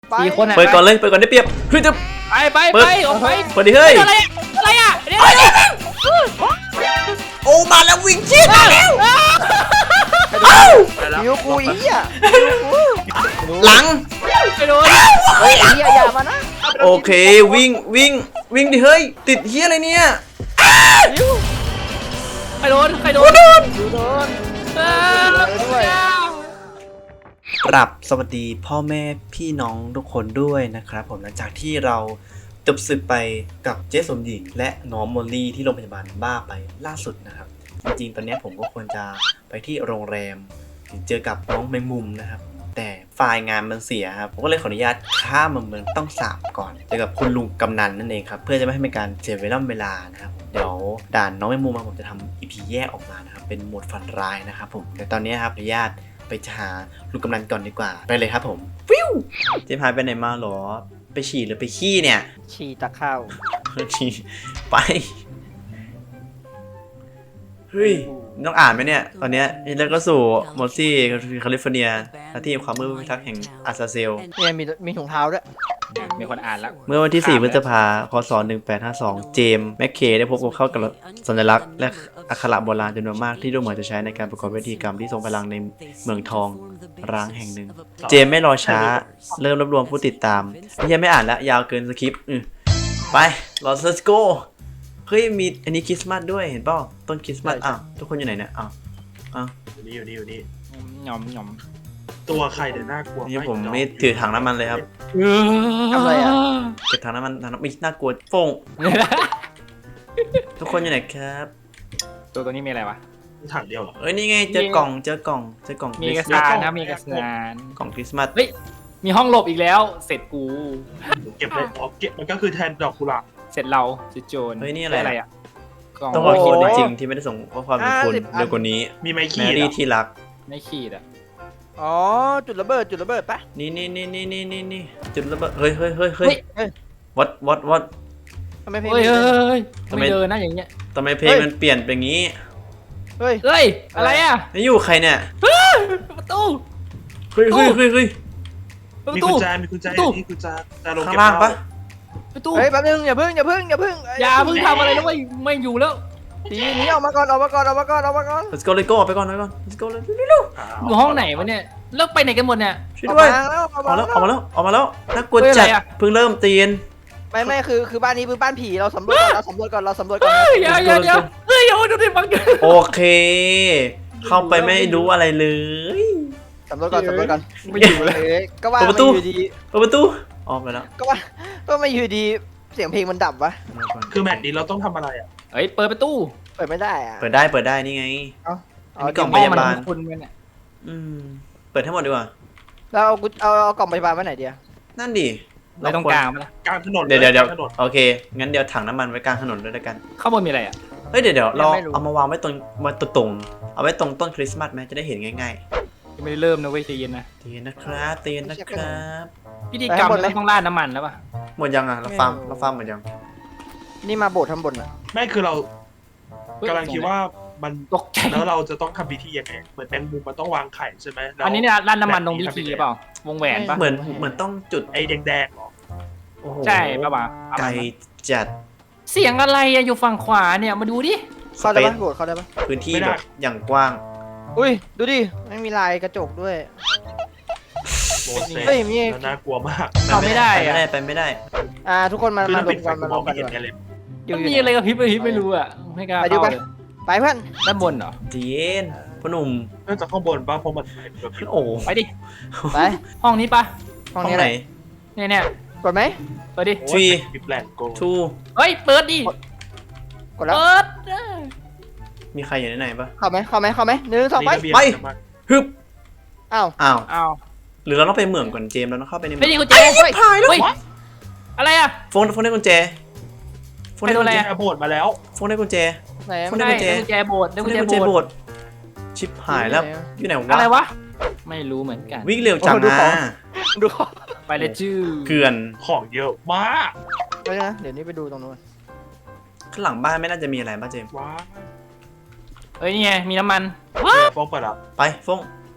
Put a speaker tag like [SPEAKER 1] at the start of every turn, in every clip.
[SPEAKER 1] 4 คนอ่ะ
[SPEAKER 2] เปิดก่อนเลยเปิดก่อนได้เปรียบเฮ้ยจะ
[SPEAKER 1] ไปออกไป
[SPEAKER 2] เปิดดิเฮ้ย
[SPEAKER 1] อะไรอ่ะเดี๋ยว
[SPEAKER 2] โอ้มาแล้ววิ่งชิดมาแล้ว
[SPEAKER 3] คิวกูอีอ่ะ
[SPEAKER 2] หลัง
[SPEAKER 1] ไปโดน
[SPEAKER 3] เฮ้ยไอ้เหี้ยอย่ามานะ
[SPEAKER 2] โอเควิ่งดิเฮ้ยติดเฮียอะไรเนี่ย
[SPEAKER 1] ใครโดน
[SPEAKER 3] ดูโดน ด้วย
[SPEAKER 2] กราบสวัสดีพ่อแม่พี่น้องทุกคนด้วยนะครับผมหลังจากที่เราจบศึกไปกับเจสสมหญิงและน้องโมลลี่ที่โรงพยาบาลบ้าไปล่าสุดนะครับจริงๆตอนนี้ผมก็ควรจะไปที่โรงแรมเจอกับน้องแมงมุมนะครับแต่ไฟล์งานมันเสียครับผมก็เลยขออนุญาตข้ามมาเมืองต้องสาบก่อนเจอกับคุณลุงกำนันนั่นเองครับเพื่อจะไม่ให้มีการเสียเวลานะครับเดี๋ยวด่านน้องแมงมุมผมจะทำ EP แยกออกมานะครับเป็นโหมดฝันร้ายนะครับผมแต่ตอนนี้ครับขออนุญาตไปหาลุงกำนันก่อนดีกว่าไปเลยครับผมฟิวเจ๊พายไปไหนมาหรอไปฉี่หรือไปขี้เนี่ย
[SPEAKER 3] ฉี่ตะเข้า
[SPEAKER 2] ฉี่ไปเฮ้ยต้องอ่านไหมเนี่ยตอนเนี้ยแล้วก็สู่มอสซี่แคลิฟอร์เนียหน้าที่ความมืดพิทักษ์แห่งอาซาเซล
[SPEAKER 3] เนี่ยมีถุงเท้าด้วย
[SPEAKER 1] มีคนอ่านแล้ว
[SPEAKER 2] เมื่อวันที่ 4 พฤษภาคม 1852 เจมส์แมคเคได้พบกับเข้ากับสัญลักษณ์และอักขระโบราณจำนวนมากที่ดูเหมือนจะใช้ในการประกอบพิธีกรรมที่ทรงพลังในเมืองทองร้างแห่งหนึ่ง เจมส์ไม่รอช้าเริ่มรวบรวมผู้ติดตามยังไม่อ่านละยาวเกินสคริปต์ไป let's go เฮ้ยมีอันนี้คริสต์มาสด้วยเห็นเปล่าต้นคริสต์มาสอ้าวทุกคนอยู่ไหนเนี่ยอ้าว
[SPEAKER 4] อยู่นี่
[SPEAKER 1] หย่อม
[SPEAKER 4] ตัวใครเดี๋ยวน่ากลัว
[SPEAKER 2] นี่ผมไม่ถือถังน้ำมันเลยครับ
[SPEAKER 3] ทำอะไรอ่ะ
[SPEAKER 2] เก็บถังน้ำมันไม่น่ากลัวฟงทุกคนอยู่ไหนครับ
[SPEAKER 1] ตัวนี้มีอะไรวะ
[SPEAKER 4] ถังเดียวเหรอ
[SPEAKER 2] เอ้ยนี่ไงเจอกล่อง
[SPEAKER 1] มี
[SPEAKER 2] ค
[SPEAKER 1] ก
[SPEAKER 2] ริ
[SPEAKER 1] ระ
[SPEAKER 2] สต์
[SPEAKER 1] สา
[SPEAKER 2] มาส
[SPEAKER 1] นนะมีกระสาน
[SPEAKER 2] กล่องคริสต์มาส
[SPEAKER 1] เฮ้ยมีห้องหลบอีกแล้วเสร็จกู
[SPEAKER 4] เก็บเลยอ๋อเก็บมันก็คือแทนดอกกุหลาบ
[SPEAKER 1] เสร็จเราจุดโจร
[SPEAKER 2] เฮ้ยนี่อะไร
[SPEAKER 1] ด้อ่ะกล่อง
[SPEAKER 2] ต้องขอโทษจริงๆที่ไม่ได้ส่งข้อความถึงคุณเร็วกว่านี้
[SPEAKER 4] มีไม้
[SPEAKER 2] แม
[SPEAKER 4] ขีด
[SPEAKER 2] รี่
[SPEAKER 4] อะ
[SPEAKER 2] ที่รัก
[SPEAKER 1] ไม่ขีดอ่ะ
[SPEAKER 3] อ๋อจุดระเบิดปะ
[SPEAKER 2] นี่จุดระเบิดเฮ้ย วัด
[SPEAKER 3] ทำไมเพลง
[SPEAKER 1] เฮ้ย
[SPEAKER 2] ทำไม
[SPEAKER 1] ไม่เดินนะอย่างเงี้ย
[SPEAKER 2] ทำไมเพลงมันเปลี่ยนเป็นอย่างนี้
[SPEAKER 3] เฮ้ย
[SPEAKER 1] เฮ้ยอะไรอ่ะ
[SPEAKER 2] นี่อยู่ใครเนี่ย
[SPEAKER 1] ประตู
[SPEAKER 2] เฮ้ย
[SPEAKER 1] ประ
[SPEAKER 4] มี
[SPEAKER 1] ตู
[SPEAKER 4] กุญแจมีกุญแจ
[SPEAKER 1] ประตู
[SPEAKER 4] นี่กุญแจจะลง
[SPEAKER 2] ข้าง
[SPEAKER 4] เก็บ
[SPEAKER 2] ล่างปะ
[SPEAKER 1] ประตู
[SPEAKER 3] เฮ้ยแป๊บนึงอย่าเพิ่ง
[SPEAKER 1] อย่าเพิ่งทำอะไรแล้วไม่อยู่แล้ว
[SPEAKER 3] ทีนี้ออกมาก่อน
[SPEAKER 2] let's go เลยก็ออกไปก่อน let's go เลย
[SPEAKER 1] อยู่ห้องไหนวะเนี่ยแล้วไปไหนกันหมดเนี่ย
[SPEAKER 2] ช่วยด้วย
[SPEAKER 3] ออกมาแล้ว
[SPEAKER 2] ออกมาแล้วน่ากลัว
[SPEAKER 1] เฮ้ย
[SPEAKER 2] จัด
[SPEAKER 1] อะไรอะ
[SPEAKER 2] เพิ่งเริ่มตีน
[SPEAKER 3] ไม่คือบ้านนี้คือบ้านผีเราสำรวจก่อน
[SPEAKER 1] เฮ้ยเดี๋ยวเฮ้ยโอ้ยดูดิบังเกิน
[SPEAKER 2] โอเค เข้าไปไม่รู้อะไรเลย
[SPEAKER 3] สำรวจก่อน
[SPEAKER 1] ไม่อยู่แล้ว
[SPEAKER 3] ก็ว่า
[SPEAKER 2] เปิดประตู
[SPEAKER 3] ไม่อยู่ดี
[SPEAKER 2] เปิดประตูออกไปแล้ว
[SPEAKER 3] ก็ไม่อยู่ดีเสียงเพลงมันดับวะ
[SPEAKER 4] คือแมตช์นี้เราต้องทำอะไรอ่ะ
[SPEAKER 1] เฮ้ยเปิดประตู
[SPEAKER 3] เปิดไม่ได้อ่ะ
[SPEAKER 2] เปิดได้นี่ไง
[SPEAKER 3] เอา
[SPEAKER 2] กล่อง
[SPEAKER 1] ห้
[SPEAKER 2] พ
[SPEAKER 1] อง
[SPEAKER 2] ยา
[SPEAKER 1] มัน
[SPEAKER 2] บาล
[SPEAKER 1] คุณเนี่ย
[SPEAKER 2] เปิดให้หมดดีกว่า
[SPEAKER 3] เราเอากล่องพยาบาลไว้ไหนเดียว
[SPEAKER 2] นั่นดิ
[SPEAKER 1] ไว้ตรงกลางมั้ยล่ะ
[SPEAKER 4] กลางถนน
[SPEAKER 2] เดี๋ยว
[SPEAKER 4] กลางถนน
[SPEAKER 2] โอเค งั้นเดี๋ยวถังน้ำมันไว้กลางถนนด้วยแล้วกัน
[SPEAKER 1] ข้างบนมีอะไรอ่ะ
[SPEAKER 2] เฮ้ยเดี๋ยวเราเอามาวางไว้ตรงเอาไว้ตรงต้นคริสต์มาสไหมจะได้เห็นง่าย
[SPEAKER 1] ยังไม่ได้เริ่มนะเว้ยใจเย็นนะ
[SPEAKER 2] ๆตีนนะครับ
[SPEAKER 1] พิธีกรรมเราต้องราดน้ำมันแล้วป่ะ
[SPEAKER 2] หมดยังอ่ะเราฟาร์มหมดยัง
[SPEAKER 3] นี่มาโบสถ์ทำบนอ่ะ
[SPEAKER 4] ไม่คือเรากำลังคิดว่ามัน
[SPEAKER 1] ตกใจ
[SPEAKER 4] แล้วเราจะต้องทำพิธียังไงเหมือนแมงมุมมันต้องวางไข่ใช่ไหมแล้ว
[SPEAKER 1] อันนี้เนี่ยราดน้ำมันตรงพิธีหรือเปล่าวงแหวนป่ะ
[SPEAKER 2] เหมือนต้องจุด
[SPEAKER 4] ไอ้แดงๆเหรอ
[SPEAKER 2] โอ้โห
[SPEAKER 1] ใช่ป่ะวะ
[SPEAKER 2] ไกลจัด
[SPEAKER 1] เสียงอะไรอะอยู่ฝั่งขวาเนี่ยมาดูดิ
[SPEAKER 2] ส
[SPEAKER 3] เข้า
[SPEAKER 2] เป
[SPEAKER 3] ได้
[SPEAKER 2] ซ
[SPEAKER 3] ปะโบสถ์เข้าได้ปะ
[SPEAKER 2] พื้นที่แบบอย่างกว้าง
[SPEAKER 3] อุ้ยดูดิไม่มีลายกระจกด้วย
[SPEAKER 4] โมเสส
[SPEAKER 3] เฮ้ยมี
[SPEAKER 4] แล้วน่ากลัวมาก
[SPEAKER 1] เข้าไม่ได้อะ
[SPEAKER 2] ไปไม่ได้
[SPEAKER 3] ทุกคนมา
[SPEAKER 4] คือ
[SPEAKER 3] มา
[SPEAKER 4] ถ้าร
[SPEAKER 3] ว
[SPEAKER 4] ปิ
[SPEAKER 3] ม
[SPEAKER 4] ดไฟ
[SPEAKER 3] กัน
[SPEAKER 4] กู
[SPEAKER 3] มาม ร
[SPEAKER 4] อ
[SPEAKER 3] ว
[SPEAKER 4] ง
[SPEAKER 3] ม
[SPEAKER 4] ไม่
[SPEAKER 3] กัน
[SPEAKER 4] เห็น
[SPEAKER 3] ดีกว่า
[SPEAKER 4] ไงเลย
[SPEAKER 1] มันมีอะไรกับพริบไม่รู้อะไม่กล้า
[SPEAKER 3] ไปดู
[SPEAKER 1] เข้า
[SPEAKER 3] ไป
[SPEAKER 1] เลย
[SPEAKER 3] ไปเพื่อน
[SPEAKER 1] ด้านบนเหรอ
[SPEAKER 2] เจียนพ่อหนุ่ม
[SPEAKER 4] น่าจะข้างบนป่ะเพราะมันเป็นแบบ
[SPEAKER 2] โอ้
[SPEAKER 1] ไปดิ
[SPEAKER 3] ไป
[SPEAKER 1] ห้องนี้ปะ
[SPEAKER 3] ห้อง
[SPEAKER 2] ห้อง
[SPEAKER 3] นี้
[SPEAKER 2] ไหน
[SPEAKER 1] เนี่ย
[SPEAKER 3] กดไหม
[SPEAKER 1] เปิดดิ
[SPEAKER 4] โอ้ยบิบแลนโก
[SPEAKER 2] ทู
[SPEAKER 1] เฮ้ยเปิดดิ
[SPEAKER 3] กดแล้ว
[SPEAKER 1] เปิด
[SPEAKER 2] มีใครอยู่ในไหนปะ
[SPEAKER 3] เข้าไหม1 2ไป
[SPEAKER 2] ไป ฮึบ
[SPEAKER 3] อ้าว
[SPEAKER 2] อ้าว
[SPEAKER 1] อ้าว
[SPEAKER 2] หรือเราต้องไปเหมืองก่อนเจมส์เราต้องเข้าไปในเหมื
[SPEAKER 1] ไม่
[SPEAKER 2] อง
[SPEAKER 1] ดีกุญแจ
[SPEAKER 3] เฮ้ย
[SPEAKER 1] เฮ้ยอะไรอะ
[SPEAKER 2] โฟนได้กุญแจโฟนได้กุญแจ
[SPEAKER 4] แอร์โบดมาแล้ว
[SPEAKER 2] โฟนได้กุญแจ
[SPEAKER 3] ไหน
[SPEAKER 2] คน
[SPEAKER 1] ได้
[SPEAKER 2] กุญแจ
[SPEAKER 1] กุญแจโบสถ์ได้
[SPEAKER 2] โฟ
[SPEAKER 1] กุ
[SPEAKER 2] น
[SPEAKER 1] ญแจ
[SPEAKER 2] ได้กุญแจ
[SPEAKER 1] โบ
[SPEAKER 2] โบ
[SPEAKER 1] สถ์
[SPEAKER 2] สถ์ชิบหายแล้วอยู่ไหน
[SPEAKER 1] อะไร
[SPEAKER 2] วะ
[SPEAKER 1] วะไม่รู้เหมือนกัน
[SPEAKER 2] วิ่งเร็วจังนะ
[SPEAKER 3] ดูข้อ
[SPEAKER 1] ไปเลยจื้อ
[SPEAKER 2] เกลือน
[SPEAKER 4] ของเยอะมาก
[SPEAKER 3] ไปนะเดี๋ยวนี้ไปดูตรงนู้น
[SPEAKER 2] ข้างหลังบ้านไม่น่าจะมีอะไรป่ะเจมส์
[SPEAKER 4] ว้า
[SPEAKER 1] เฮ้ยนี่ไงมีน้ำมัน
[SPEAKER 4] ฟ้องเปิดอ่ะ
[SPEAKER 2] ไปฟง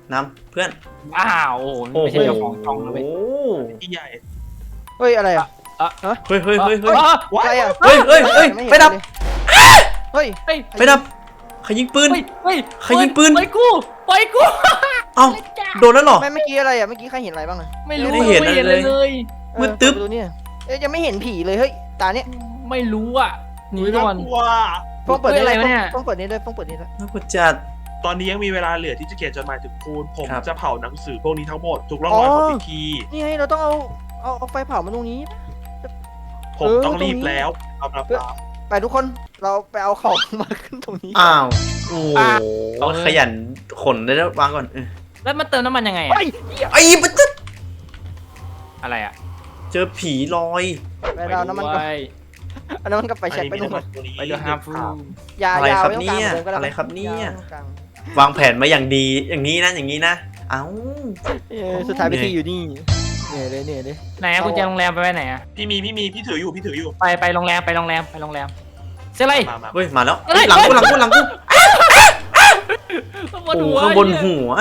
[SPEAKER 2] นำเพื่อน
[SPEAKER 1] อ้าวโอ้โหไม่ใช่เจ้าของช่องนะเว้ย
[SPEAKER 2] โอ้
[SPEAKER 4] ที่ใหญ่
[SPEAKER 3] เฮ้ยอะไรอ่ะ
[SPEAKER 2] เฮ้ยเฮ้ยเฮ้ยเฮ้ย
[SPEAKER 3] อะไรอ่ะ
[SPEAKER 2] เฮ้ยเฮ้ยเฮ้ย
[SPEAKER 3] ม่ห็น
[SPEAKER 2] ไฟดับ
[SPEAKER 3] เลยเฮ้ย
[SPEAKER 1] เฮ้ย
[SPEAKER 2] ไฟดับใครยิงปืน
[SPEAKER 1] เฮ้ย
[SPEAKER 2] ใครยิงปืน
[SPEAKER 1] ปล่อยกูปล่อยกู
[SPEAKER 2] เอ้าโดนแล้วเหรอ
[SPEAKER 3] ไม่เมื่อกี้อะไรอ่ะเมื่อกี้ใครเห็นอะไรบ้างอ่ะ
[SPEAKER 1] ไม่รู้
[SPEAKER 2] ไม่เห็นอะไรเลย
[SPEAKER 1] เลย
[SPEAKER 2] มืดตึ๊บ
[SPEAKER 3] เออเปิดประตูเนี่ยเอ๊ะยังไม่เห็นผีเลยเฮ้ยตาเนี้ย
[SPEAKER 1] ไม่รู้อ่ะหนีก่อน
[SPEAKER 4] กลัว
[SPEAKER 3] ฟ้องเปิด
[SPEAKER 1] เฮ้ย
[SPEAKER 3] นี่
[SPEAKER 1] อะไร
[SPEAKER 3] เลยว
[SPEAKER 1] ะเนี่ย
[SPEAKER 3] ฟ้องเปิดนี่ด้วยฟ้องเปิดนี่ด้วย
[SPEAKER 2] น่ากลัวจัด
[SPEAKER 4] ตอนนี้ยังมีเวลาเหลือที่จะเขียนจดหมายถึงคุณผม
[SPEAKER 2] ครับ
[SPEAKER 4] จะเผาหนังสือพวกนี้ทั้งหมดทุกร่องรอยของพิธี
[SPEAKER 3] นี่ไงเราต้องเอาไฟเผามาตรงนี้
[SPEAKER 4] ผมต้องรีบแล้วเอาละครับ
[SPEAKER 3] ไปทุกคนเราไปเอาของมาขึ้นตรงนี้
[SPEAKER 2] อ้าวโอ้โหขยันขนได้แล้ววางก่อน
[SPEAKER 1] แล้วมาเติมน้ำมันยังไงอะ
[SPEAKER 3] เฮ้ย
[SPEAKER 2] ไอ้ปะจ๊ะ
[SPEAKER 1] อะไรอ่ะ
[SPEAKER 2] เจอผีลอย
[SPEAKER 3] ไปเอาน้ำมันก่อน
[SPEAKER 1] ไป
[SPEAKER 3] เอาน้ำมันกับไฟแช็กไปตรงนู้น
[SPEAKER 4] ตัวนี้
[SPEAKER 1] ไปดูฮาร์ฟู
[SPEAKER 3] ยา
[SPEAKER 2] อะไร
[SPEAKER 3] ยา
[SPEAKER 2] ครับ
[SPEAKER 3] ไม่ต้องกลาง
[SPEAKER 2] เนี่ย
[SPEAKER 3] เหมือนเดิมก็ได้
[SPEAKER 2] อะไรครับเนี่ย
[SPEAKER 3] าไม่ต้องกลาง
[SPEAKER 2] วางแผนมาอย่างดีอย่างนี้นะอย่างนี้นะเอ้า
[SPEAKER 3] สุดท้ายพิธีอยู่นี่เนี่ยเลย
[SPEAKER 1] ไหนอะกุญแจโรงแรมไปไว้ไหนอะ
[SPEAKER 4] พี่มีพี่ถืออยู่
[SPEAKER 1] ไปโรงแรมเสียอะไร
[SPEAKER 4] มา
[SPEAKER 2] เฮ้ยมาแล้ว
[SPEAKER 1] เฮ้ย
[SPEAKER 2] หลังกูหลังกูหลังกู
[SPEAKER 1] ข้างบ
[SPEAKER 2] โอ้
[SPEAKER 1] นหัว
[SPEAKER 2] ข้างบนหัว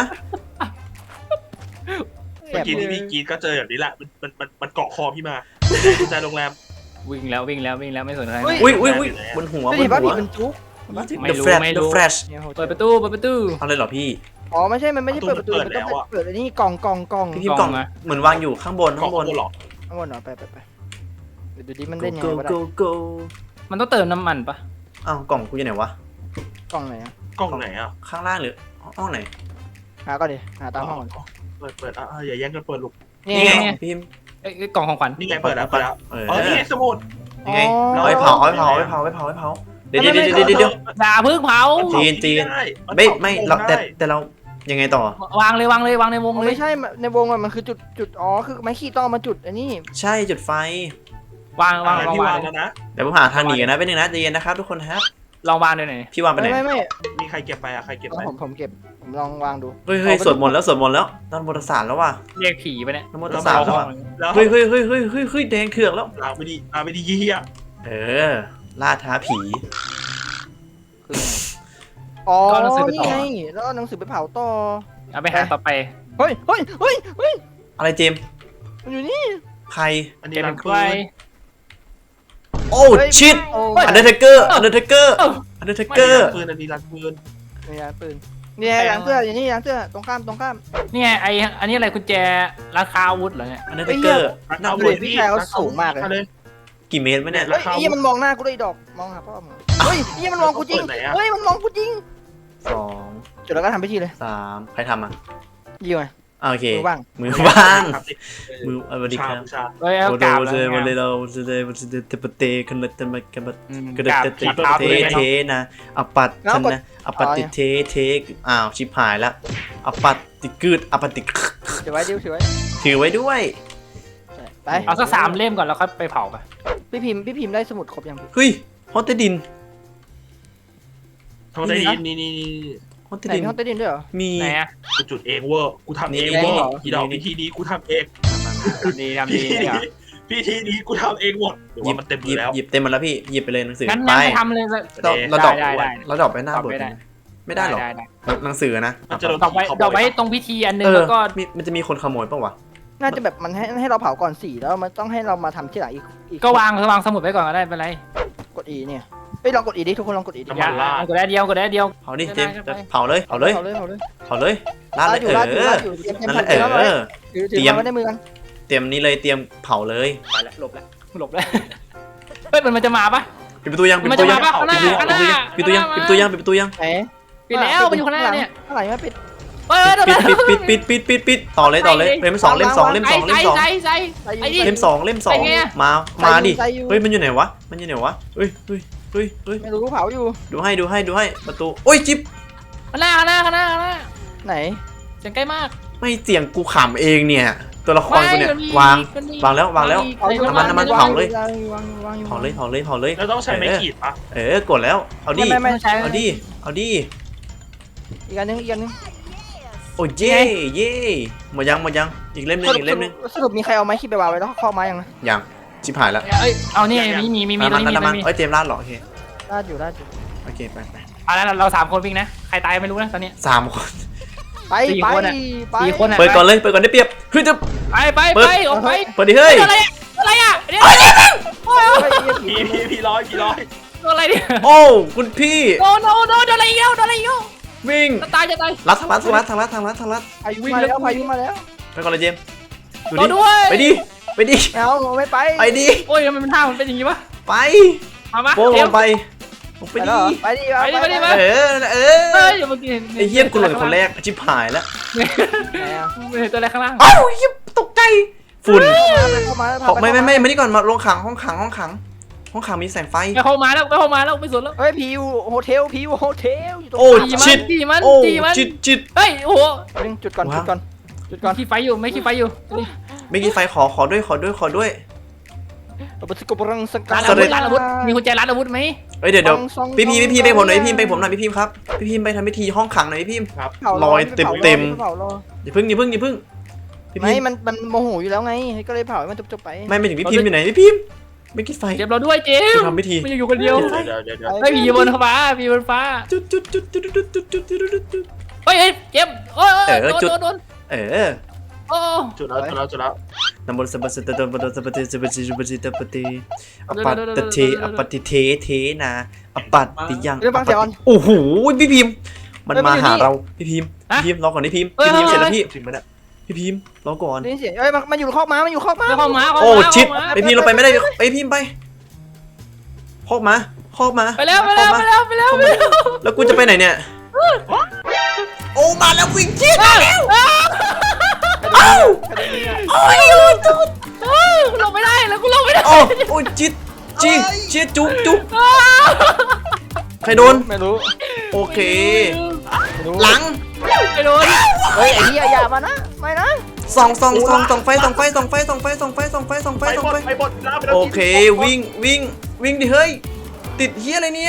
[SPEAKER 4] เมื่อกี้ที่พี่กรีดก็เจอแบบนี้แหละมันเกาะคอพี่มากุญแจโรงแรม
[SPEAKER 1] วิ่งแล้วไม่สนอะไร
[SPEAKER 2] อุ้ยบนหัว
[SPEAKER 3] ไม่
[SPEAKER 2] บ
[SPEAKER 3] เห็
[SPEAKER 2] น
[SPEAKER 3] นว่า
[SPEAKER 2] หั
[SPEAKER 3] ผี
[SPEAKER 2] ว
[SPEAKER 3] มันจุก
[SPEAKER 1] ไม่
[SPEAKER 2] The
[SPEAKER 1] รู้
[SPEAKER 2] Flash
[SPEAKER 1] ไม่
[SPEAKER 2] The
[SPEAKER 1] รู้
[SPEAKER 2] Flash
[SPEAKER 1] เปิดประตู
[SPEAKER 2] เอาเลยเหรอพี่
[SPEAKER 3] อ๋อไม่ใช่มันไม่ใช่เปิดประตูมันต้องเปิดอันนี้กล่อง
[SPEAKER 2] พี่พิมพ์กล่องเหมือนวางอยู่ข้างบน
[SPEAKER 4] เกาะ
[SPEAKER 2] ข้างบน
[SPEAKER 4] หรอ
[SPEAKER 3] ข้างบนเหรอไปเดี๋ยวดูดิมันเล่นยัง
[SPEAKER 2] go
[SPEAKER 3] ไงวะ
[SPEAKER 2] go go
[SPEAKER 1] มันต้องเติมน้ำมันปะ
[SPEAKER 2] อ้าวกล่องกูอยู่ไหนวะ
[SPEAKER 3] กล่องไหนอะ
[SPEAKER 4] กล้องไหนอ่ะ
[SPEAKER 2] ข้างล่างหรือห้องไหน
[SPEAKER 3] หาก่อนดิหาตามห้องก่อน
[SPEAKER 4] เปิดอย่าแย่งกันเปิดลูก
[SPEAKER 3] นี่
[SPEAKER 2] นี่ไง
[SPEAKER 3] ไง
[SPEAKER 2] พี่พิมพ์
[SPEAKER 1] เอ้ยกล่องของขวัญ
[SPEAKER 4] นี่ไงเปิดแล้ว
[SPEAKER 2] เออ
[SPEAKER 4] อ๋อนี่สมุด
[SPEAKER 2] นี่ไง
[SPEAKER 3] อ๋อ
[SPEAKER 2] เอาไปเผาเดี๋ยว
[SPEAKER 1] อย่าเพึ่งเผา
[SPEAKER 2] จีนไม่เราแต่เรายังไงต่อ
[SPEAKER 1] วางเลยวางในวง
[SPEAKER 3] อ๋อ
[SPEAKER 1] เลย
[SPEAKER 3] ไม่ใช่ในวงมันคือจุดอ๋อคือไม้ขีดต้องเอามาจุดอันนี้
[SPEAKER 2] ใช่จุดไฟ
[SPEAKER 1] วาง
[SPEAKER 4] พี่วางแล้วนะ
[SPEAKER 2] เดี๋ยวผมหาทางหนีกันนะเป็นหนึ่งนะใจเย็นนะครับทุกคนครับ
[SPEAKER 1] ลองวางด้วยหน่อย
[SPEAKER 2] พี่วางไปไหน
[SPEAKER 3] ไม่
[SPEAKER 4] มีใครเก็บไปใครเก็บไป
[SPEAKER 3] ผมเก็บผมลองวางดู
[SPEAKER 2] เฮ้ยสวดมนต์แล้วตอนบทสารแล้วว่ะ
[SPEAKER 1] เรียกผีไปเนี่ย
[SPEAKER 2] นโมตัสสะแล้วว่ะ
[SPEAKER 4] แล้ว
[SPEAKER 2] เฮ้ยแดงเถือกแล้ว
[SPEAKER 4] เอาไปดีเยี่ย
[SPEAKER 2] เออล่าท้าผี
[SPEAKER 1] คือ
[SPEAKER 3] อ๋อ
[SPEAKER 1] ก็หนังสือไป
[SPEAKER 3] นี่
[SPEAKER 1] ต่อ
[SPEAKER 3] ไงแล้วเอาหนังสือไปเผาต่อ
[SPEAKER 1] เอาไปหาต่อไป
[SPEAKER 3] เฮ้ย
[SPEAKER 2] อะไรเจมส์
[SPEAKER 3] มันอยู่นี่
[SPEAKER 2] ใคร
[SPEAKER 4] อัน
[SPEAKER 1] เจ
[SPEAKER 4] นี้
[SPEAKER 1] เป็
[SPEAKER 4] รั
[SPEAKER 1] น
[SPEAKER 4] ง
[SPEAKER 1] ใค
[SPEAKER 4] ปื
[SPEAKER 1] ร
[SPEAKER 4] น
[SPEAKER 2] โอ้ชิต
[SPEAKER 3] โอ้
[SPEAKER 2] อันเดอร์เทเกอร์อันเดอร์เทเกอร์
[SPEAKER 1] เอ้า
[SPEAKER 2] อันเดอร์เท
[SPEAKER 4] ไม่
[SPEAKER 2] เกอร์
[SPEAKER 4] รังปืนอันนี้รังปืน
[SPEAKER 3] นี่ยปืนนี่ไงหลังเสื้ออย่างนี้หลังเสื้อตรงข้าม
[SPEAKER 1] นี่ไงอันนี้อะไรกุญแจราคาอาวุธเหรอเนี่ย
[SPEAKER 2] อันเดอร์เทเกอร์
[SPEAKER 3] น่าดูดิพี่ชายเขาสูงมากเลย
[SPEAKER 2] กี่เมตรไหมเนี่ย
[SPEAKER 3] เฮ้ยไอ้ยี่มันมองหน้ากูด้วยดอกมองหาพ่อมึงเฮ้ยไอ้ยี่มันมองกูจริงเฮ้ยมันมองกูจริง
[SPEAKER 2] 2
[SPEAKER 3] จุดแล้วก็ทำพิธีเลย
[SPEAKER 2] 3ใครทำอ่ะ
[SPEAKER 3] ยี่ไง
[SPEAKER 2] โอเค
[SPEAKER 3] มือว่าง
[SPEAKER 2] มือว่างมือสวัสดีครับ
[SPEAKER 4] ชา
[SPEAKER 1] เฮ้ยเอา
[SPEAKER 2] โด
[SPEAKER 1] กราบ
[SPEAKER 2] โด
[SPEAKER 1] แล้ว
[SPEAKER 2] วันเลยเราเตปเตกันเลยกัน
[SPEAKER 1] อืม
[SPEAKER 2] กระ
[SPEAKER 1] กราบ
[SPEAKER 2] เต
[SPEAKER 1] กราบ
[SPEAKER 2] เต
[SPEAKER 1] เท้าเลย
[SPEAKER 2] เทนะอปัตชนะอปัตติเทอ้าวชิบหายละอปัตติกึดอปัตติ
[SPEAKER 3] ถือไว้ดิวถือไว้
[SPEAKER 2] ถือไว้ด้วย
[SPEAKER 3] ไป
[SPEAKER 1] เอาสัก3 เล่มก่อนแล้วค่อยไปเผาไป
[SPEAKER 3] พี่พิมพ์ได้สมุดครบยังพี่
[SPEAKER 2] เฮ้ยฮอตเตดิน
[SPEAKER 4] ทองได้ดินนี่
[SPEAKER 2] ฮอตเต
[SPEAKER 3] ไหน
[SPEAKER 2] ดิน
[SPEAKER 3] มีห้องใต้ดินด้วยเหรอ
[SPEAKER 2] มี
[SPEAKER 1] ไหนอะ
[SPEAKER 4] กูจุดเองเวอร์กูทำเอง
[SPEAKER 2] นี่
[SPEAKER 4] เวอร์
[SPEAKER 3] นี่
[SPEAKER 4] อีดอกพิธีนี้กูทำเอง
[SPEAKER 1] ดีทำดีเนี่ย
[SPEAKER 4] พิธีนี้กูทำเองหมดเดี๋ยวว่ามันเต็มมือแล้ว
[SPEAKER 2] หยิบเต็มหมดแล้วพี่หยิบไปเลยหนังสือ
[SPEAKER 1] งั้น
[SPEAKER 2] ไป
[SPEAKER 1] ไปทำเลย
[SPEAKER 2] เราดอก
[SPEAKER 1] ได้
[SPEAKER 2] เราดอกไปหน้าบทไม่ได้หรอ
[SPEAKER 1] ได้
[SPEAKER 2] หนังสือนะ
[SPEAKER 4] มันจะโดน
[SPEAKER 1] ดอกไว้ตรงพิธีอันนึง
[SPEAKER 2] เออ
[SPEAKER 1] แล้วก็
[SPEAKER 2] มันจะมีคนขโมยป่าวะ
[SPEAKER 3] น่าจะแบบมันให้เราเผาก่อน4แล้วมันต้องให้เรามาทำที่หลังอีก
[SPEAKER 1] ก็วางสมุดไว้ก่อนก็ได้เป็นไร
[SPEAKER 3] กด E เนี่ยเฮ้ยลองกด E ดิทุกคนลองกด E ดิ
[SPEAKER 1] อย่ากดได้เดียว
[SPEAKER 2] เผาดิเจมเผาเลยลาดเลย
[SPEAKER 3] ลาดอยู่เตรียม
[SPEAKER 2] นั่นแหละ
[SPEAKER 3] ถือมาไว้ในมือกัน
[SPEAKER 2] เตรียมนี้เลยเตรียมเผาเลย
[SPEAKER 1] ไปแล้วหลบแล้วเฮ้ยมันจะมาปะ
[SPEAKER 2] ปิดประตูยัง
[SPEAKER 1] มันจะมาปะข้างหน้า
[SPEAKER 2] ปิดประตูยังปิดประตูยังปิดประตูยัง
[SPEAKER 3] ไหน
[SPEAKER 1] ปิดแล้วมันอยู่ข้างหน้าเนี่ย
[SPEAKER 3] ข้างหลังไม่ปิด
[SPEAKER 1] เปิด
[SPEAKER 2] ปิดต่อเลยเล่ม 2เล่ม 2เล่ม 2เล่ม 2
[SPEAKER 1] ใส่ไอ้ดิ
[SPEAKER 2] เล่ม 2เล่ม 2มาดิเฮ้ยมันอยู่ไหนวะเฮ้ย
[SPEAKER 3] ไม่รู้เผาอยู่
[SPEAKER 2] ดูให้ประตูโอ้ยจิ๊บ
[SPEAKER 1] ข้างหน้า
[SPEAKER 3] ไหน
[SPEAKER 1] เสียงใกล้มาก
[SPEAKER 2] ไม่เสียงกูขำเองเนี่ยตัวละครกูเนี่ยวางแล้ว
[SPEAKER 3] เผาอยู่
[SPEAKER 2] เผาเลย
[SPEAKER 3] วางอยู่
[SPEAKER 2] เผาเลย
[SPEAKER 4] แล้วต้องใช้ไม้ขีดปะ
[SPEAKER 2] กดแล้วเอาดิ
[SPEAKER 3] ไม่ใช่
[SPEAKER 2] เอาดิ
[SPEAKER 3] อีกอันนึง
[SPEAKER 2] โอ้เย่หมดยังอีกเล่มนึง
[SPEAKER 3] สรุปมีใครเอาไม้ขีดไปวางไว้แล้วข้อไม้ยังนะ
[SPEAKER 2] ยังชิบหายแล้ว
[SPEAKER 1] เอานี่มีตรงนี้มี
[SPEAKER 2] เอ้ยเตรียมลาดหรอโอเค
[SPEAKER 3] ลาดอยู่
[SPEAKER 2] โอเคไป
[SPEAKER 1] เอาแล้วเรา3 คนวิ่งนะใครตายไม่รู้นะตอนนี้
[SPEAKER 2] 3 คน
[SPEAKER 3] ไป
[SPEAKER 1] สี่
[SPEAKER 3] ไป
[SPEAKER 1] คนอะ
[SPEAKER 3] ไป
[SPEAKER 1] สี่คนอะ
[SPEAKER 2] เปิดก่อนเลยเปิดก่อนได้เปรียบเฮ้ยจะ
[SPEAKER 1] ไปออกไป
[SPEAKER 2] เปิดดิเฮ้ย
[SPEAKER 1] อะไรอ่ะเนี่ย
[SPEAKER 3] เฮ้ย
[SPEAKER 4] ผีร้อย
[SPEAKER 1] อะไรเนี่ย
[SPEAKER 2] โอ้คุณพี่
[SPEAKER 1] โดนอะไรอีกแล้ว
[SPEAKER 2] วิ่ง
[SPEAKER 1] จะตาย
[SPEAKER 2] รัดทางรัดทางรัดทางรัดทางรัดทางรัด
[SPEAKER 3] พายุมาแล้วพายุมาแล้ว
[SPEAKER 2] ไปก่อนเลยเจมส์ดู
[SPEAKER 1] โด
[SPEAKER 2] ดิ
[SPEAKER 1] นด้วย
[SPEAKER 2] ไปดิไปดิ
[SPEAKER 3] เอาไม่ไป
[SPEAKER 2] ไปดิ
[SPEAKER 1] โอ้ยทำไมมันท่ามันเป็นอย่างงี้วะ
[SPEAKER 2] ไป
[SPEAKER 1] มา
[SPEAKER 2] โป้ง
[SPEAKER 1] เดี๋
[SPEAKER 2] ล
[SPEAKER 1] ยว
[SPEAKER 2] งไปลงไป
[SPEAKER 3] ไป
[SPEAKER 2] ดิ
[SPEAKER 3] ไปดิ
[SPEAKER 1] ไปดิ
[SPEAKER 2] เออเอ
[SPEAKER 1] เฮ้
[SPEAKER 2] อย
[SPEAKER 1] อย่ามากิน
[SPEAKER 2] ไอ้เหี้ยกูหล่นคนแรกชิบหายแล้ว
[SPEAKER 1] ไม่เห็นตัวอะไรข้างล่าง
[SPEAKER 2] เอ้าเหี้ยตกใจฝุ่น
[SPEAKER 3] เข้ามา
[SPEAKER 2] ไม่มานี่ก่อนมาลงขังห้องขังมีแสงไฟ
[SPEAKER 1] ไปเข้ามาแล้วไม่สนแล้ว
[SPEAKER 3] เฮ้ยผีอยู่โฮเทลผีอยู่โฮเทลอยู่ตรง
[SPEAKER 2] โอ้
[SPEAKER 1] ตี
[SPEAKER 2] ชิด
[SPEAKER 1] มัน
[SPEAKER 2] โอ้
[SPEAKER 1] ตีมัน
[SPEAKER 2] จิต
[SPEAKER 1] เฮ้ยโอ้โห
[SPEAKER 3] จุดก่อน
[SPEAKER 1] ขี้ไฟอยู่ไม่ขี้ไฟอยู่
[SPEAKER 2] ไม่กี่ไฟขอด้วย
[SPEAKER 3] เอาไปสกุปรังสังกั
[SPEAKER 1] ร้า
[SPEAKER 3] ด
[SPEAKER 1] นอาวุธมีกุญแจร้านอาวุธไหม
[SPEAKER 2] เอ้ยเดี๋ยวพี่พีไปผมหน่อยพี่ไปผมหน่อยพี่พิมครับพี่พิมไปทำพิธีห้องขังหน่อยพี่พิม ลอยเต็ม อย่าพึ่งพี่
[SPEAKER 3] ไม่
[SPEAKER 2] พิม
[SPEAKER 3] มันโมโหอยู่แล้วไงก็เลยเผาให้มันจบไป
[SPEAKER 2] ไม่ถึงพี่พิมอยู่ไหนพี่พิมไม่กี่ไฟ
[SPEAKER 1] เจ็บเราด้วยเจม
[SPEAKER 2] ทำพิธี
[SPEAKER 1] ไม่อยู่คนเดียว
[SPEAKER 4] เดี๋ยว
[SPEAKER 1] เฮ้ยผีบนฟ้าผีบนฟ้า
[SPEAKER 2] จุด
[SPEAKER 1] เฮ้ยเจ็บโอ้ยโดน
[SPEAKER 2] เออ
[SPEAKER 1] โอ้
[SPEAKER 4] จุดแล้ว
[SPEAKER 2] นำบนสบัสตะบนสบัสตะปฏิอปัตตเทอปฏิเทนะอปัตติยังโอ้โหพี่พิมมันมาหาเราพี่พิมรอก่อนพี่พิมเสร็จแล้วพี่
[SPEAKER 4] จริงไหมเนี่ย
[SPEAKER 2] พี่พิมรอก่อน
[SPEAKER 3] นี่เสียงเอ้ยมันอยู่คอกม้ามันอยู่คอกม้า
[SPEAKER 1] เข้ามา
[SPEAKER 2] โอ้ชิดไปพิมเราไปไม่ได้ไปพิมไปคอกมา
[SPEAKER 1] ไปแล้ว
[SPEAKER 2] แล้วกูจะไปไหนเนี่ยโอ้มาแล้ววิ่งชิดมาแล้วโอ้ย
[SPEAKER 1] ลงไม่ได้แล้วกูลงไม่ได้
[SPEAKER 2] โอ้จิตจุ๊บใครโดน
[SPEAKER 3] ไม่รู้
[SPEAKER 2] โอเคหลัง
[SPEAKER 1] ไม่โดน
[SPEAKER 3] เฮ้ยไอ้เหี้ยอย่ามานะไม่นะ
[SPEAKER 2] ส่องไฟโอเควิ่งดิเฮ้ยติดเฮียอะไรเนี่ย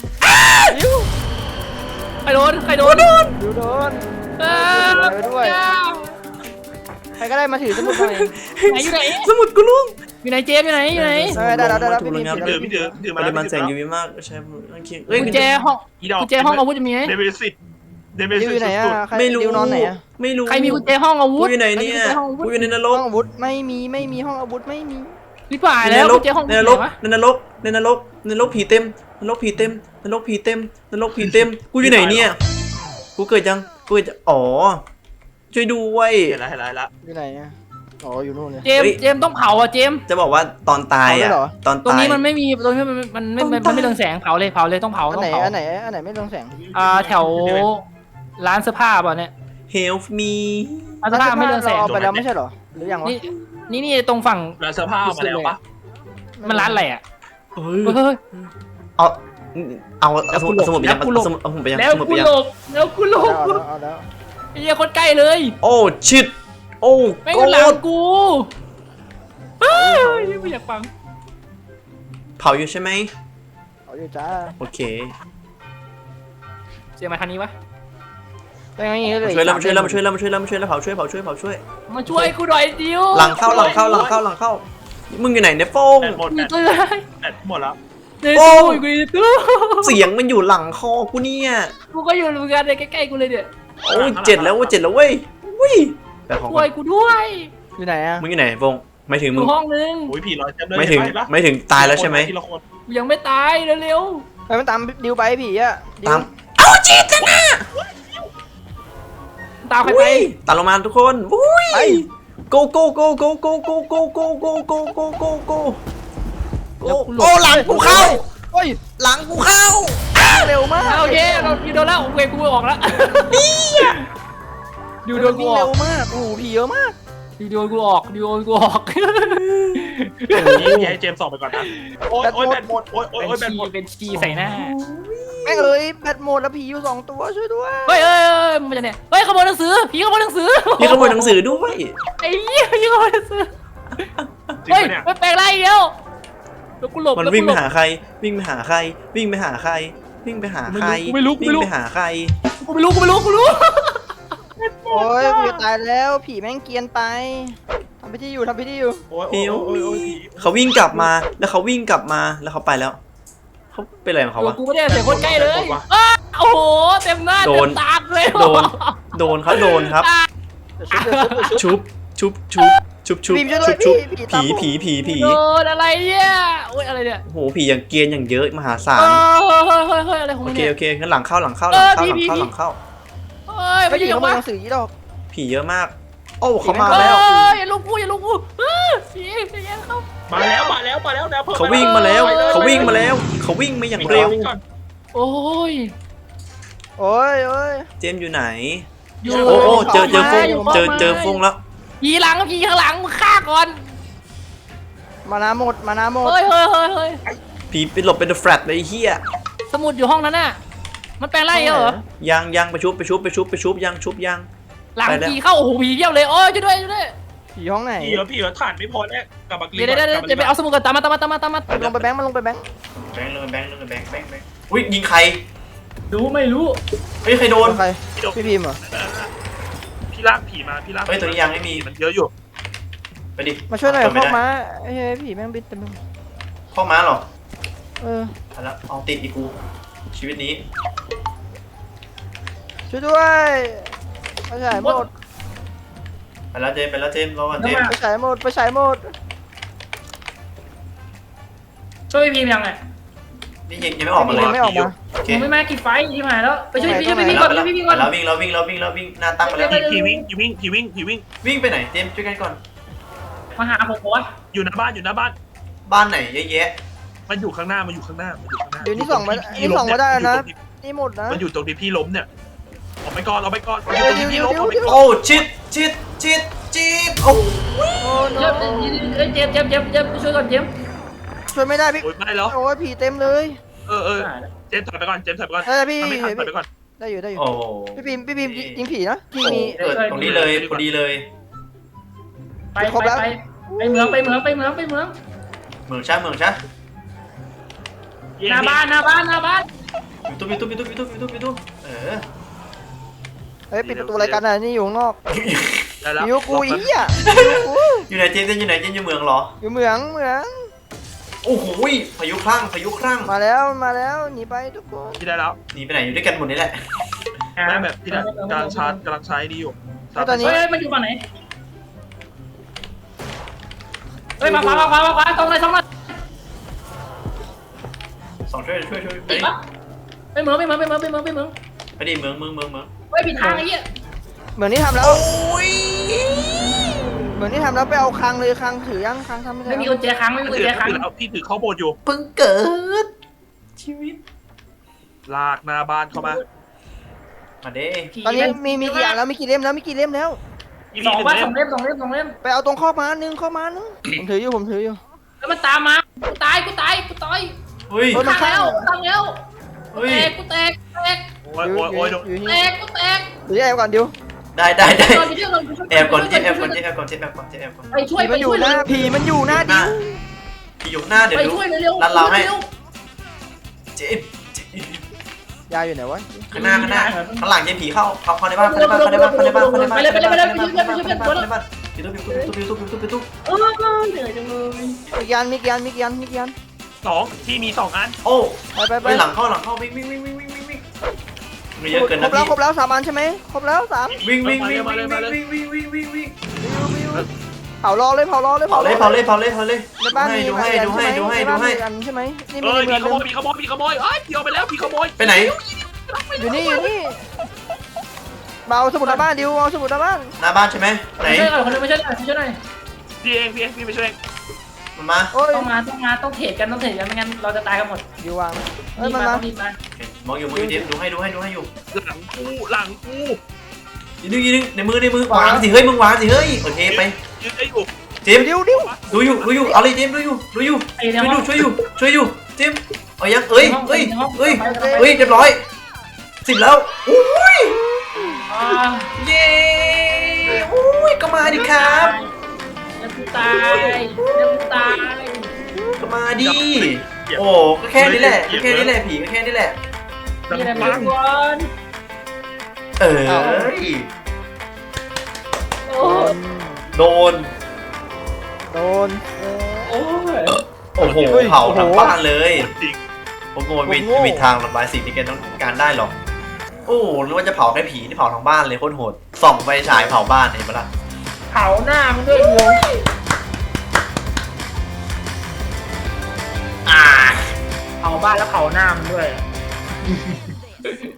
[SPEAKER 1] ใครโดน
[SPEAKER 3] ดูโดนไปด้วยใครก็ได้มาถือสมุดหน่อย
[SPEAKER 1] อยู่ไหน
[SPEAKER 2] สมุดกูล่วง
[SPEAKER 1] อยู่ไหนเจมอยู่ไหน
[SPEAKER 3] ได้พี่
[SPEAKER 4] ถือ
[SPEAKER 2] ป
[SPEAKER 4] มา
[SPEAKER 2] ริมาณแสง UV มากใช่เฮ้ย
[SPEAKER 1] กุญแจห้องอาวุธจะมีไหม
[SPEAKER 4] เดวิดสิ
[SPEAKER 3] อยู่ไหนอ่ะใคร
[SPEAKER 2] ไม่รู้
[SPEAKER 3] ดิวนอนไหนอ่ะ
[SPEAKER 2] ไม่รู้
[SPEAKER 1] ใครมีกุญแจห้องอาวุ
[SPEAKER 2] กู
[SPEAKER 1] ธ
[SPEAKER 2] อยู่ไหนเนี่ยกูอยู่ในนร
[SPEAKER 3] ห้อก งอาวุธไม่มีห้องอาวุธไม่มี
[SPEAKER 1] พี่ป่าแล้วกุญแจห้อง
[SPEAKER 2] ในนรกผีเต็มกูอยู่ไหนเนี่ยกูเกิดอ๋อช่วยด้วย
[SPEAKER 4] เห็นแล้ว
[SPEAKER 3] อยู่ไหนอ่ะอ๋ออยู่นู่นเลย
[SPEAKER 1] เจมต้องเผาอ่ะเจม
[SPEAKER 2] จะบอกว่าตอนตายอ่ะตอน
[SPEAKER 1] ตรง
[SPEAKER 2] ตาย
[SPEAKER 1] นี้มันไม่มีตรงนี้มันไม่เรืองแสงเผาเลยต้องเผา
[SPEAKER 3] อันไหนไม่เรืองแสง
[SPEAKER 1] แถวร้านเสื้อผ้าป่ะเนี่ย
[SPEAKER 2] Help me
[SPEAKER 1] ร้านเสื้อผ้าไม่เรืองแสง
[SPEAKER 3] เอาไปแล้วไม่ใช่หรอหรือยังวะ
[SPEAKER 1] นี่ตรงฝั่ง
[SPEAKER 4] แล้วเสื้อผ้ามาแล้วปะ
[SPEAKER 1] มันร้านอะไรอ่ะ
[SPEAKER 2] เฮ้ย
[SPEAKER 1] เฮ้ย
[SPEAKER 2] เอาสมุดไปยังเอาสมุดไปยัง
[SPEAKER 1] แล้วกูหลบ
[SPEAKER 3] เอาแล้ว
[SPEAKER 1] ไอ้เหี้ยคนใกล้เลย
[SPEAKER 2] โอ้ชิดโอ้
[SPEAKER 1] ไม่
[SPEAKER 2] โก
[SPEAKER 1] ก็หลั
[SPEAKER 2] รง
[SPEAKER 1] กูเฮ้ยไม่อยากฟัง
[SPEAKER 2] เผาอยู่ใช่ไหม
[SPEAKER 3] เอาอยู่จ้า
[SPEAKER 2] โอเค
[SPEAKER 1] เสียงมาทางนี้วะ
[SPEAKER 3] เป็นไงเลย
[SPEAKER 2] ช่วยแล้วเผาช่วย
[SPEAKER 1] มาช่วยกูหน่อยดิว
[SPEAKER 2] หลังเข้ามึงอยู่ไหนเนี่ยโป้ง
[SPEAKER 4] แบตหมด
[SPEAKER 1] มีตัว
[SPEAKER 4] แบตหมดแล้ว
[SPEAKER 1] ในตู้กูในตู้
[SPEAKER 2] เสียงมันอยู่หลังคอกูเนี่ย
[SPEAKER 1] กูก็อยู่เหมือนกันเลยใกล้ๆกูเลยเนี่ย
[SPEAKER 2] โอ้ยเจ็ดแล้วเว้ยแต่ของ
[SPEAKER 1] ช่วยกูด้วย
[SPEAKER 3] อยู่ไหนอ่ะ
[SPEAKER 2] มึงอยู่ไหนโป้งไม่ถึงมึ
[SPEAKER 1] กู
[SPEAKER 2] ง
[SPEAKER 1] ห้องนึง
[SPEAKER 4] โอ้ยผีลอยเต็มเลย
[SPEAKER 2] ไม่ถึงตายแล้วใช่ไหม
[SPEAKER 1] กูยังไม่ตายเร็ว
[SPEAKER 3] ไปมันตามดิวไปผีอ่ะ
[SPEAKER 2] ตามเอาจีดนะ
[SPEAKER 1] ๆตามใครไป
[SPEAKER 2] ตามลงมาทุกคนอุ้ย go โอ้หลังกูเข้า
[SPEAKER 3] โอ้ย
[SPEAKER 2] หลังกูเข้า
[SPEAKER 3] เร็วมาก
[SPEAKER 1] โอเคเราโดนแล้วเวกูออกแล้วดิวโดนกูออ
[SPEAKER 3] เร็
[SPEAKER 1] ก
[SPEAKER 3] วมากโอ้โหผีเยอะมาก
[SPEAKER 1] ดิวโดนกูออก
[SPEAKER 4] อย่าให้เจมส์ส่องไปก่อนนะโอ้ยแบตหมดโอ้ยแบตหมด
[SPEAKER 1] เป็นชีใส่หน้า
[SPEAKER 3] แม่งเลยแบตหมดแล้วผีอยู่2ตัวช่วยด้วย
[SPEAKER 1] เฮ้ยมันจะเนี่ยเฮ้ยขโมยหนังสือผีขโมยหนังสือ
[SPEAKER 2] พี่ขโมยหนังสือด้วย
[SPEAKER 1] ไอ้เหี้ยผีขโมยหนังสือ
[SPEAKER 4] จริง
[SPEAKER 1] เฮ้ย
[SPEAKER 4] ปะเนี่ย
[SPEAKER 1] ไม่แปลงไรเดียวแล้วกูหลบ
[SPEAKER 2] มันวิ่งไปหาใครวิ่งไปหาใคร
[SPEAKER 1] ไม่รู้
[SPEAKER 3] โอ้ยผีตายแล้วผีแม่งเกียนไปทำพิธีอยู่
[SPEAKER 4] โอ้ย
[SPEAKER 2] เขาวิ่งกลับมาแล้วเขาไปแล้วเขาเป็นอะไรของเขาวะ
[SPEAKER 1] กูไม่ได้เสียคนใกล้เลยโอ้โหเต็มหน้าเต็มตาเลย
[SPEAKER 2] โดนครับโดนครับ
[SPEAKER 3] เดี๋ยวชุบ
[SPEAKER 2] ชุบชุบชุบชุบชุบ
[SPEAKER 3] บีมช่วยด้วย
[SPEAKER 2] ชุบ
[SPEAKER 3] พี่ตามผม
[SPEAKER 2] ผี
[SPEAKER 1] โดนอะไรเนี่ยโอ้ยอะไรเนี่ย
[SPEAKER 2] โอ้โหผีอย่างเกรียนอย่างเยอะมหาศาล
[SPEAKER 1] เฮ้ยอะไรของ
[SPEAKER 2] โอ
[SPEAKER 1] มึง
[SPEAKER 2] เค
[SPEAKER 1] เนี่ย
[SPEAKER 2] โอเคงั้นหลังเข้าหลังเข้าห
[SPEAKER 1] เอ
[SPEAKER 2] ลัง
[SPEAKER 1] อ
[SPEAKER 2] เข้า
[SPEAKER 1] ผี
[SPEAKER 2] หลังเข้า
[SPEAKER 1] ผี
[SPEAKER 2] หลังเข้า
[SPEAKER 1] เฮ้ย
[SPEAKER 3] ไม่
[SPEAKER 1] ไม่
[SPEAKER 3] ได้
[SPEAKER 1] ได้
[SPEAKER 3] ยิ
[SPEAKER 1] ยัง ง
[SPEAKER 3] มา
[SPEAKER 1] วะ
[SPEAKER 3] หนังสือดอก
[SPEAKER 2] ผีเยอะมาก โอ้เขามา
[SPEAKER 1] เฮ้
[SPEAKER 2] แล้ว
[SPEAKER 1] ยอย่าลุกกูอย่าลุกกูผีอย่าเข้า
[SPEAKER 4] มาแล้วนะ
[SPEAKER 2] เขาวิ่งมาแล้วเขาวิ่งมาแล้วเขาวิ่งมาอย่างเร็ว
[SPEAKER 1] โอ้ย
[SPEAKER 3] โอ้ยโอ้ย
[SPEAKER 2] เจมส์อยู่ไหน
[SPEAKER 1] อยู่
[SPEAKER 2] โอ้โอ้เจอฟง
[SPEAKER 1] อยู่
[SPEAKER 2] เจอฟงแล้ว
[SPEAKER 1] ผีหลังผีข้างหลังมึงฆ่าก่อน
[SPEAKER 3] มานาหมดมานาหมด
[SPEAKER 1] เฮ้ยเฮ้ยเฮ้ยเฮ้ย
[SPEAKER 2] ผีไปหลบเป็นแฟลตเลยไอ้เฮีย
[SPEAKER 1] สมุดอยู่ห้องนั้นน่ะมันแปลงไรเหรอ
[SPEAKER 2] ยังไปชุบยังชุบยัง
[SPEAKER 1] หลัง
[SPEAKER 2] ไปแล้ว
[SPEAKER 1] ผีเข้าโอ้โหผีเยี่ยวเลยโอ้ยช่วยด้วยช่วยด้วย
[SPEAKER 3] ผีห้องไหน
[SPEAKER 4] พี่เหรอถ่านไม่พอแน่กลับมา
[SPEAKER 1] เดี๋ยวไปเอาสมุดก่อนตามมา
[SPEAKER 3] ลงไปแบงค์มันลงไปแบงค์
[SPEAKER 2] แบงค์อุ้ยยิงใคร
[SPEAKER 1] รู้ไม่รู้
[SPEAKER 2] เฮ้ยใครโดน
[SPEAKER 3] ใครพี่พิมพ์เหรอ
[SPEAKER 4] พี่ลากผีมาพี่ลาก
[SPEAKER 2] เฮ้ยตัวนี้ยังไม่มี
[SPEAKER 4] มันเยอะอยู่
[SPEAKER 2] ไปดิ
[SPEAKER 3] มาช่วยหน่อย
[SPEAKER 2] ไม่
[SPEAKER 3] เข้า
[SPEAKER 2] ได้
[SPEAKER 3] มาเฮ้ยผีแม่งบินเต็มไปหมด
[SPEAKER 2] เข้ามาเหรอ
[SPEAKER 3] เออ
[SPEAKER 2] เอาละเอาติดอีกกูชีวิตนี้
[SPEAKER 3] ช่วยด้วยไปฉายหมด
[SPEAKER 2] ไปแล้วเจมส์รอก่อนเจมส์
[SPEAKER 3] ไปฉายหมดไปฉายหมด
[SPEAKER 1] ช่วยพิมพ์ยังไง
[SPEAKER 2] นี่ยังไม่ออกมาเลย
[SPEAKER 3] ไม่ออกมา
[SPEAKER 2] โอเค
[SPEAKER 1] ผมไม่มากี่ไฟที่หายแล้วไปช่วยพี่
[SPEAKER 3] ไป
[SPEAKER 1] พี่
[SPEAKER 3] ไหน
[SPEAKER 1] ก่อน
[SPEAKER 2] ไป
[SPEAKER 1] พี่ก่อน
[SPEAKER 2] แล้ววิ่งหน้าตั้งไปแล้ว
[SPEAKER 4] ผีวิ่ง
[SPEAKER 2] วิ่งไปไหนเจมส์ช่วยกันก่อน
[SPEAKER 1] มาหาผมวะ
[SPEAKER 4] อยู่หน้าบ้าน
[SPEAKER 2] บ้านไหนเยอะแยะ
[SPEAKER 4] มันอยู่ข้างหน้า
[SPEAKER 3] เดี๋ยวนี้ส่องมาได้นะนี่หมดนะ
[SPEAKER 4] มันอยู่ตรงที่พี่ล้มเนี่ยออกไปก่อน
[SPEAKER 3] เดี๋ยว
[SPEAKER 4] พี่ล้มออกไปก่อน
[SPEAKER 2] โอ้ชิดโอ้
[SPEAKER 3] โอ้โน
[SPEAKER 1] เจ็บช่วยก่อนเจ็บ
[SPEAKER 3] ช่วยไม่ได้พี่
[SPEAKER 4] โอ้ยไม่แล้ว
[SPEAKER 3] โอ้ยผีเต็มเลย
[SPEAKER 4] เจมส์ถอยไปก่อน
[SPEAKER 3] ได้พี่
[SPEAKER 4] ทำไม่ทันถอยไปก่อน
[SPEAKER 3] ได้อยู่
[SPEAKER 2] โอ้
[SPEAKER 3] พี่พิมยิงผีนะพี่มี
[SPEAKER 2] เกิดตรงนี้เลยพอดีเลย
[SPEAKER 1] ไปเมือง
[SPEAKER 2] เมืองช้าห
[SPEAKER 1] น้าบ้าน
[SPEAKER 2] ยูทูบเออ
[SPEAKER 3] เฮ้ยปิดประตูรายการนี่อยู่ข้างนอก
[SPEAKER 4] ได้แล้ว
[SPEAKER 3] อยู่กูอีอ่ะ
[SPEAKER 2] อยู่ไหนเจมส์อยู่เมืองเหรอ
[SPEAKER 3] อยู่เหมือง
[SPEAKER 2] โอ้โหพายุคลั่ง
[SPEAKER 3] มาแล้วหนีไปทุกคน
[SPEAKER 4] พี่ได้แล้ว
[SPEAKER 2] หนีไปไหนอยู่ด้วยกันหมดนี่แหละ
[SPEAKER 4] ได้แบบพี่ได้กำลังชาร์จกำลังใช้ดีอยู่
[SPEAKER 3] ตอนนี้
[SPEAKER 1] เฮ้ยมันอยู่ฝั่งไหนเฮ้ยมาขวาตรงเลย
[SPEAKER 2] สองช่วยไป
[SPEAKER 1] ติดปะไปเมือง
[SPEAKER 2] ไปดิเมือง
[SPEAKER 1] เฮ้ยผิดทางไอ้เหี้ย
[SPEAKER 3] เหมือนที่ทำแล้วไปเอาคังเลยคังถือยังคังทำไม่ได้
[SPEAKER 1] ไม่มีกุญแจค้างไม่มีกุญแจค้าง
[SPEAKER 4] พี่ถือข้าวโพดอยู่
[SPEAKER 2] เพิ่งเกิดชีวิต
[SPEAKER 4] ลากหน้าบ้านเข้ามา
[SPEAKER 2] มาเด้
[SPEAKER 3] ตอนนี้มีกี่อย่างแล้วมีกี่เล่มแล้ว
[SPEAKER 1] 2 เล่ม
[SPEAKER 3] ไปเอาตรงข้อม้านึงผมถืออยู่
[SPEAKER 1] แล้วมันตามมากูตาย
[SPEAKER 2] เฮ้ย
[SPEAKER 3] เฮ้ย
[SPEAKER 1] ตายแล้ว
[SPEAKER 2] เฮ้ย
[SPEAKER 1] กูแตก
[SPEAKER 4] โอ้ย
[SPEAKER 3] อยู่
[SPEAKER 1] แต
[SPEAKER 3] นี่
[SPEAKER 1] กกูแตก
[SPEAKER 3] หรือแอบก่อนดิว
[SPEAKER 2] ได้
[SPEAKER 1] แอบก่อน
[SPEAKER 2] แอบก่อน
[SPEAKER 1] ไปช่วย
[SPEAKER 3] ผีมันอยู่หน้าดิว
[SPEAKER 2] พี่อยู่หน้าเดี๋ยว
[SPEAKER 1] ไป
[SPEAKER 2] ดู
[SPEAKER 1] ช่วยเร็ว
[SPEAKER 2] รัดเราให้เจม
[SPEAKER 3] ยายอยู่ไหนวะ
[SPEAKER 2] ข้างหน้าข้างหลังเจมผีเข้าในบ้านยูทูบเหนื่อยจังเลย
[SPEAKER 3] มีกี่อัน
[SPEAKER 4] พี่มี2 อัน
[SPEAKER 2] โอ้
[SPEAKER 3] ไป
[SPEAKER 2] หลังเข้าวิ่งไม่เยอะเกินนะพี่
[SPEAKER 3] ครบแล้ว3 อันใช่ไหมครบแล้ว3
[SPEAKER 2] วิ่ง
[SPEAKER 3] เผารอเลย
[SPEAKER 2] เผาเลย
[SPEAKER 3] ในบ้านมี
[SPEAKER 2] ดูให้
[SPEAKER 3] อันใช่ไหมนี่มีเมืองนึง
[SPEAKER 4] มีขโมยพี่เอาไปแล้วพี่ขโมย
[SPEAKER 2] ไปไหน
[SPEAKER 3] อยู่นี่เอาสมุดหน้าบ้านดิวเอาสมุดหน้าบ้าน
[SPEAKER 2] หน้าบ้านใช่ไหมไหน
[SPEAKER 1] ไม่ใช่หน่อยคนนึงไม่ใช่หน่อย
[SPEAKER 4] พี่เองพี่ไปช่วย
[SPEAKER 2] มันมา
[SPEAKER 3] โอ้ย
[SPEAKER 1] ต้องเทรดกันไม่งั้นเราจะตายกันหมด
[SPEAKER 3] ดิววางเฮ้ย
[SPEAKER 1] รีบ
[SPEAKER 3] มัน
[SPEAKER 1] มา
[SPEAKER 3] มา
[SPEAKER 1] รีบมา
[SPEAKER 2] มองอยู่มือเจมดูให้อยู่
[SPEAKER 4] หลังกู
[SPEAKER 2] ยืนในมือวางสิเฮ้ยมึงวางสิเฮ้ยโอเคไป
[SPEAKER 4] ยืนได้อยู่
[SPEAKER 2] เจม
[SPEAKER 3] ดิว
[SPEAKER 2] ดูอยู่เอาเลยเจมดูอยู่ช่วยอยู่เจมเอายังเอ้ยเรียบร้อย10แล้วอุ้ยเย้อุ้ยก็มาดิครับ
[SPEAKER 1] แล้วกูตาย
[SPEAKER 2] ก็มาดิโอ้ก็แค่นี้แหละผีก็แค่นี้แหละ
[SPEAKER 1] นี่อะไรมาก่อน
[SPEAKER 2] โดน
[SPEAKER 1] โอ้ย
[SPEAKER 2] โอ้โหเผาทั้งบ้านเลย
[SPEAKER 4] จริง
[SPEAKER 2] ผมโง่มีทางระบายสิ่งที่แกต้องการได้หรอกโอ้นึกว่าจะเผาแค่ผีที่เผาทั้งบ้านเลยโคตรโหดส่องไฟฉายเผาบ้านเห็นปะล่ะ
[SPEAKER 1] เผาหน้ามึงด้วยวง
[SPEAKER 2] อ่า
[SPEAKER 1] เผาบ้านแล้วเผาหน้ามันด้วย